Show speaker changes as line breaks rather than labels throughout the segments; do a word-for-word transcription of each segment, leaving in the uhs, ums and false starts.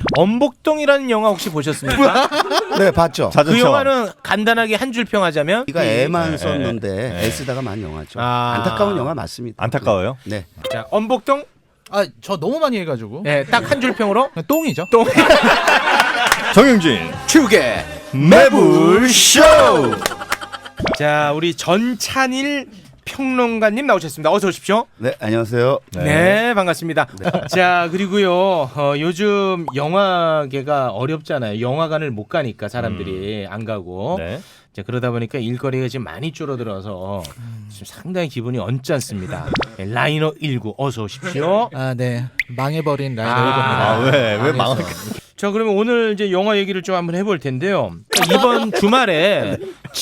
엄복동이라는 영화 혹시 보셨습니까?
네, 봤죠.
그 영화는 간단하게 한 줄 평하자면
이가 애만
네,
썼는데
네.
애쓰다가 만 영화죠.
아.
안타까운 영화 맞습니다.
안타까워요?
네.
자, 엄복동
아, 저 너무 많이 해가지고.
네, 딱 한 줄 평으로
똥이죠.
똥.
정영진
축의
매불쇼.
자, 우리 전찬일 평론가님 나오셨습니다. 어서 오십시오.
네, 안녕하세요.
네,
네.
반갑습니다. 자, 그리고요, 어, 요즘 영화계가 어렵잖아요. 영화관을 못 가니까 사람들이 안 가고.
네.
자, 그러다 보니까 일거리가 지금 많이 줄어들어서 지금 상당히 기분이 언짢습니다. 네, 라이너 일구 어서 오십시오.
아, 네. 망해버린 라이너
아,
일곱입니다.
아, 왜, 왜 망할
자, 그러면 오늘 이제 영화 얘기를 좀 한번 해볼 텐데요. 이번 주말에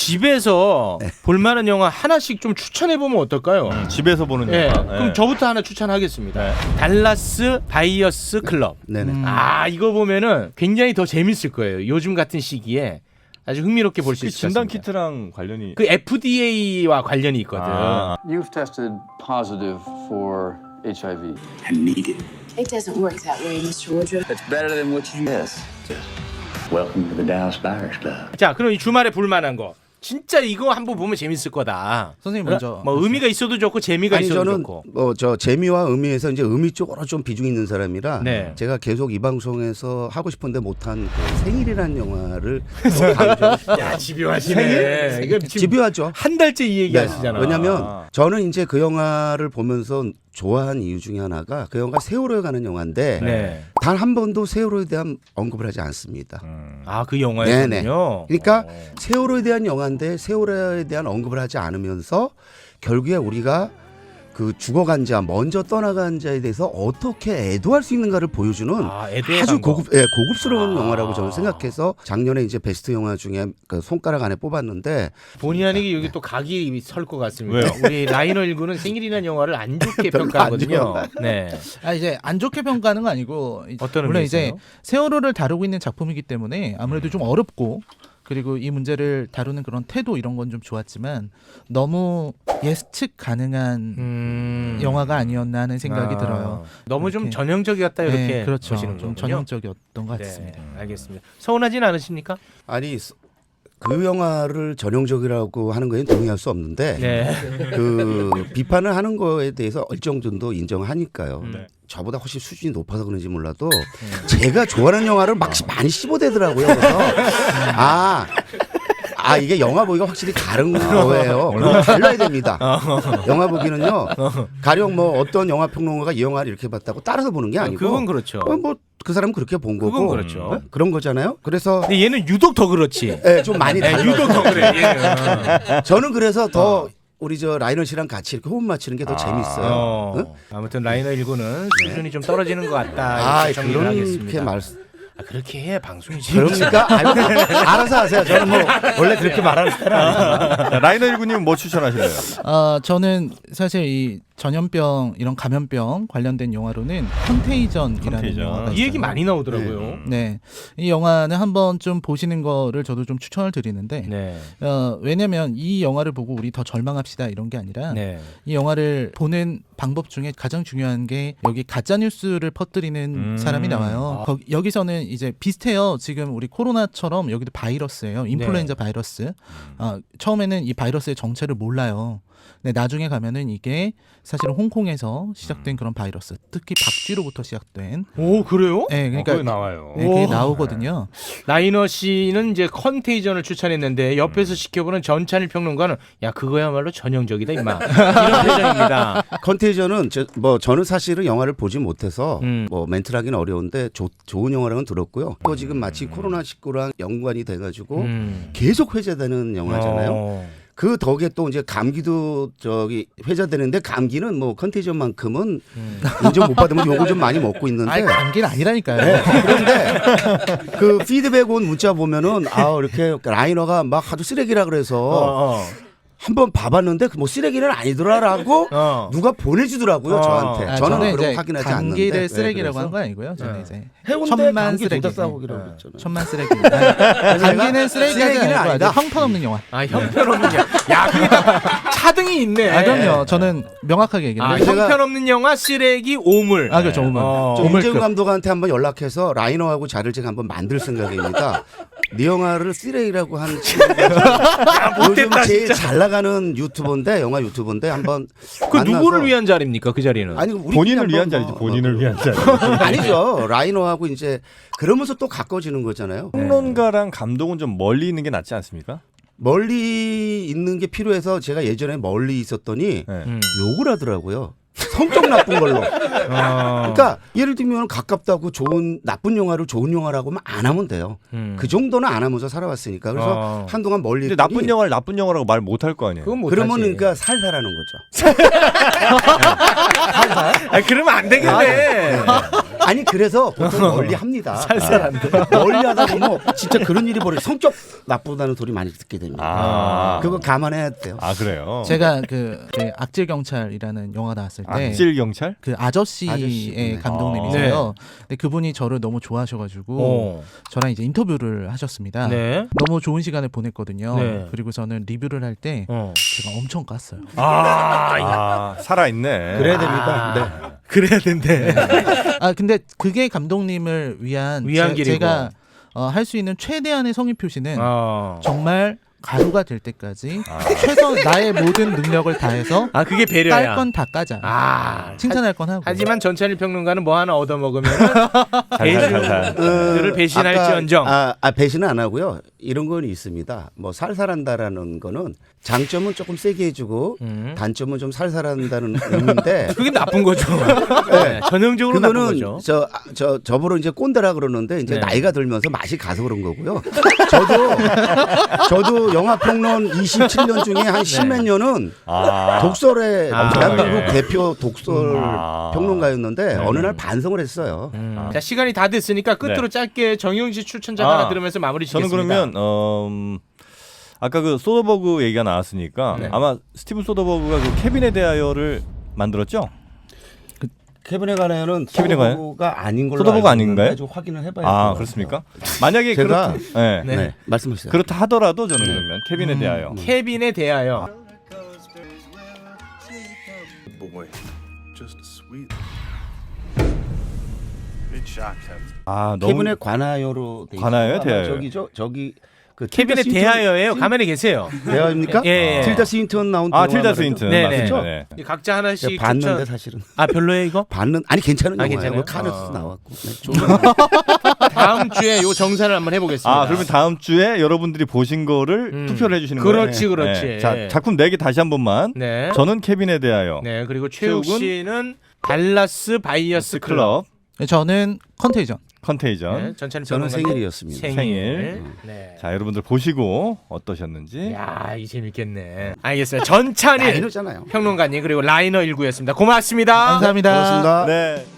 집에서 볼만한 영화 하나씩 좀 추천해 보면 어떨까요?
집에서 보는
예,
영화.
그럼
예.
저부터 하나 추천하겠습니다. 달라스 바이어스 클럽.
네네.
음.
아, 이거 보면은 굉장히 더 재밌을 거예요. 요즘 같은 시기에 아주 흥미롭게 볼 수
그
있을 것
진단
같습니다.
키트랑 관련이
그 에프디에이와 관련이 있거든.
아.
You've tested positive for H I V.
I need it.
It doesn't work that way, mister Woodruff.
That's better than what you guess. Welcome to the Dallas Buyers Club.
자, 그럼 이 주말에 볼만한 거. 진짜 이거 한번 보면 재밌을 거다.
선생님 먼저.
뭐 의미가 있어도 좋고 재미가
아니
있어도
저는
좋고.
뭐 저 재미와 의미에서 이제 의미 쪽으로 좀 비중 있는 사람이라
네.
제가 계속 이 방송에서 하고 싶은데 못한 그 생일이라는 영화를 좀 강조하고 싶어요.
야, 집요하시네. 이거 지금
집요하죠.
한 달째 이 얘기
네.
하시잖아.
왜냐면 저는 이제 그 영화를 보면서 좋아한 이유 중에 하나가 그 영화가 세월호에 가는 영화인데
네.
단 한 번도 세월호에 대한 언급을 하지 않습니다.
아, 그 영화였군요.
네네. 그러니까 세월호에 대한 영화인데 세월호에 대한 언급을 하지 않으면서 결국에 우리가 그 죽어간 자, 먼저 떠나간 자에 대해서 어떻게 애도할 수 있는가를 보여주는
아, 애도의
아주
방법.
고급, 예, 고급스러운
아.
영화라고 저는 생각해서 작년에 이제 베스트 영화 중에 그 손가락 안에 뽑았는데
본의 아니게 여기 또 각이 설 것 같습니다.
왜요?
우리 라이너 일구는 생일이라는 영화를 안 좋게
별로 안
평가하거든요. 네.
아, 이제 안 좋게 평가하는 건 아니고 이제
어떤
물론
의미에서요?
이제 세월호를 다루고 있는 작품이기 때문에 아무래도 좀 어렵고 그리고 이 문제를 다루는 그런 태도 이런 건 좀 좋았지만 너무 예측 가능한
음...
영화가 아니었나 하는 생각이
아,
들어요.
너무 좀
이렇게.
전형적이었다 이렇게
네, 그렇죠.
보시는
좀
거군요.
전형적이었던 것
네,
같습니다.
알겠습니다. 서운하진 않으십니까?
아니 그 영화를 전형적이라고 하는 거에는 동의할 수 없는데
네.
그 비판을 하는 거에 대해서 일정 정도 인정하니까요.
네.
저보다 훨씬 수준이 높아서 그런지 몰라도 제가 좋아하는 영화를 막 많이 씹어대더라고요. 그래서 아, 아 이게 영화 보기가 확실히 다른 거예요. 달라야 됩니다. 영화 보기는요. 가령 뭐 어떤 영화 평론가가 이 영화를 이렇게 봤다고 따라서 보는 게 아니고
그건 그렇죠.
뭐 그 사람은 그렇게 본 거고
그건 그렇죠.
어? 그런 거잖아요. 그래서
근데 얘는 유독 더 그렇지.
네, 좀 많이
네,
달라요.
유독 더 그래. 얘는.
저는 그래서 더 우리 저 라이너 씨랑 같이 이렇게 호흡 맞추는 게 더 재밌어요.
어.
응?
아무튼 라이너 일구는 수준이 좀 떨어지는 것 같다.
아,
이렇게 정리를
그렇게
하겠습니다.
말씀.
아, 그렇게 해 방송이 재밌지.
그러니까 아니, 알아서 하세요. 저는 뭐 원래 그렇게 말하는 사람 아니에요.
자, 라이너 일구님 뭐 추천하실래요?
아, 저는 사실 이 전염병 이런 감염병 관련된 영화로는 컨테이전이라는
컨테이전.
영화가
이 얘기
있어요.
많이 나오더라고요.
네, 이 영화는 한번 좀 보시는 거를 저도 좀 추천을 드리는데
네.
어, 왜냐면 이 영화를 보고 우리 더 절망합시다 이런 게 아니라
네.
이 영화를 보는 방법 중에 가장 중요한 게 여기 가짜 뉴스를 퍼뜨리는
음.
사람이 나와요. 거, 여기서는 이제 비슷해요. 지금 우리 코로나처럼 여기도 바이러스예요. 인플루엔자 바이러스. 어, 처음에는 이 바이러스의 정체를 몰라요. 근데 나중에 가면은 이게 사실은 홍콩에서 시작된 그런 바이러스, 특히 박쥐로부터 시작된.
오, 그래요?
네,
어,
그러니까
그게 나와요.
네, 그게
오.
나오거든요.
라이너 씨는 이제 컨테이전을 추천했는데 옆에서 지켜보는 전찬일 평론가는 야 그거야말로 전형적이다 임마 이런 표정입니다.
컨테이전은 저, 뭐 저는 사실은 영화를 보지 못해서
음.
뭐 멘트를 하기는 어려운데 조, 좋은 영화라고는 들었고요. 또 지금 마치 코로나십구랑 연관이 돼가지고
음.
계속 회자되는 영화잖아요.
어.
그 덕에 또 이제 감기도 저기 회자되는데 감기는 뭐 컨테이전만큼은 인정 못 받으면 욕을 좀 많이 먹고 있는데
아니 감기는 아니라니까요.
네, 그런데 그 피드백 온 문자 보면은 아 이렇게 라이너가 막 하도 쓰레기라 그래서
어, 어.
한번 봐봤는데 뭐 쓰레기는 아니더라라고
어.
누가 보내주더라고요
어.
저한테.
아,
저는
저는
그런
이제
거 확인하지
감기를
않는데.
쓰레기라고
네,
한 거 아니고요. 저는
네.
이제
해운대
천만
감기
쓰레기.
도덕사고기라고
네.
그랬잖아요.
천만 쓰레기. 아니, 감기는 쓰레기가
쓰레기는
아니고
아니다.
아주 형편없는 영화.
아 형편없는 영화. 야 그게 다 차등이 있네.
아 그럼요. 저는 명확하게
아,
얘기해요.
제가-
형편없는 영화 쓰레기 오물.
아 그렇죠. 오물.
어.
저
오물급.
임재훈 감독한테 한번 연락해서 라이너하고 자를 제가 한번 만들 생각입니다. 네 영화를 쓰레기라고 한 친구가 요즘 제일 잘 나가는 유튜버인데 영화 유튜버인데 한번
그
만나서-
누구를 위한 자리입니까 그 자리는?
아니 우리
본인을
한번
위한
뭐-
자리지. 본인을 위한 자리.
아니죠. 라이너하고 이제 그러면서 또 가까워지는 거잖아요.
평론가랑 감독은 좀 멀리 있는 게 낫지 않습니까?
멀리 있는 게 필요해서 제가 예전에 멀리 있었더니
네.
음.
욕을 하더라고요. 성격 나쁜 걸로.
어.
그러니까 예를 들면 가깝다고 좋은 나쁜 영화를 좋은 영화라고 하면 안 하면 돼요.
음.
그 정도는 안 하면서 살아왔으니까 그래서
어.
한동안 멀리
근데
있더니
나쁜 영화를 나쁜 영화라고 말 못 할 거 아니에요.
그건 못
그러면
하지.
그러니까 살살하는 거죠.
아 그러면 안 되겠네.
아니 그래서 보통 멀리 합니다. 살살한데. 멀리 하다 보면 진짜 그런 일이 벌어. 성격 나쁘다는 소리 많이 듣게 됩니다.
아,
그거 감안해야 돼요.
아 그래요.
제가 그 네, 악질 경찰이라는 영화 나왔을 때
악질 경찰?
그 아저씨의
아저씨, 네.
감독님이세요. 근데 그분이 저를 너무 좋아하셔가지고
어.
저랑 이제 인터뷰를 하셨습니다.
네.
너무 좋은 시간을 보냈거든요.
네.
그리고 저는 리뷰를 할 때
어.
제가 엄청 깠어요.
아, 야.
아 살아 있네.
그래야 됩니다.
아.
네.
그래야 된대.
아 근데 그게 감독님을 위한,
위한
제,
길이고.
제가 어, 할 수 있는 최대한의 성의 표시는
어.
정말 가루가 될 때까지
아.
최선 나의 모든 능력을 다해서
아 그게 배려야.
깔 건 다 까자.
아
칭찬할 건 하고.
하지만 전찬일 평론가는 뭐 하나 얻어 먹으면
살살살살.
대중들을 배신할지언정.
아까, 아, 아, 배신은 안 하고요. 이런 건 있습니다. 뭐 살살한다라는 거는 장점은 조금 세게 해주고
음.
단점은 좀 살살한다는 의미인데
그게 나쁜 거죠. 네, 전형적으로 나쁜
그거는
거죠.
저, 저 저보러 이제 꼰대라 그러는데 이제
네.
나이가 들면서 맛이 가서 그런 거고요. 저도 저도 영화 평론 이십칠 년 중에 한 십몇 년은
아.
독설의
아,
대한민국
예.
대표 독설
아.
평론가였는데
네.
어느 날 반성을 했어요.
음. 자 시간이 다 됐으니까 끝으로
네.
짧게 정용진 추천작
아,
하나 들으면서 마무리
저는
짓겠습니다.
그러면 어, 음, 아까 그 소더버그 얘기가 나왔으니까
네.
아마 스티븐 소더버그가 그 케빈에 대하여를 만들었죠?
케빈에 관하여는
케빈에 관하여?
소더버그가 아닌 걸로
소더버그
알고
아닌가요?
있는데 좀 확인을 해봐야
아
될것
그렇습니까?
같아요.
만약에
제가-
그렇다, 네.
네.
네, 말씀하세요.
그렇다 하더라도 저는 그러면 케빈에 대하여
케빈에 대하여.
Boy, just sweet. Big shock have
아 너무
케빈에 관하여로 돼
관하여요?
있어요.
대하여요?
저기죠, 저기 그
케빈에
틸다 스윈턴-
대하여예요. 가만히 계세요.
대하입니까?
예, 예.
틸다 스윈턴 나온
아
동화
틸다
말이죠?
스윈튼
네네.
맞습니다. 네.
이 각자 하나씩
제가 봤는데
추천.
사실은
아 별로예요 이거?
봤는 아니 괜찮은
아,
영화예요.
괜찮아요?
카네스
어.
나왔고. 네, 좀
다음 주에 요 정산을 한번 해보겠습니다.
아 그러면 다음 주에 여러분들이 보신 거를
음.
투표를 해주시는 거예요?
그렇지, 그렇지.
자 작품 네 개 다시 한 번만.
네.
저는 케빈에 대하여.
네 그리고 최욱
최욱은
씨는 달라스 바이어스 클럽.
클럽
네, 저는 컨테이전.
컨테이전.
네, 전찬
저는
평론가님
생일이었습니다.
생일.
생일.
네.
자 여러분들 보시고 어떠셨는지.
야, 이 재밌겠네. 알겠어요. 전찬일
라이너잖아요.
평론가님 그리고 라이너 일구였습니다. 고맙습니다.
감사합니다.
고맙습니다.
네.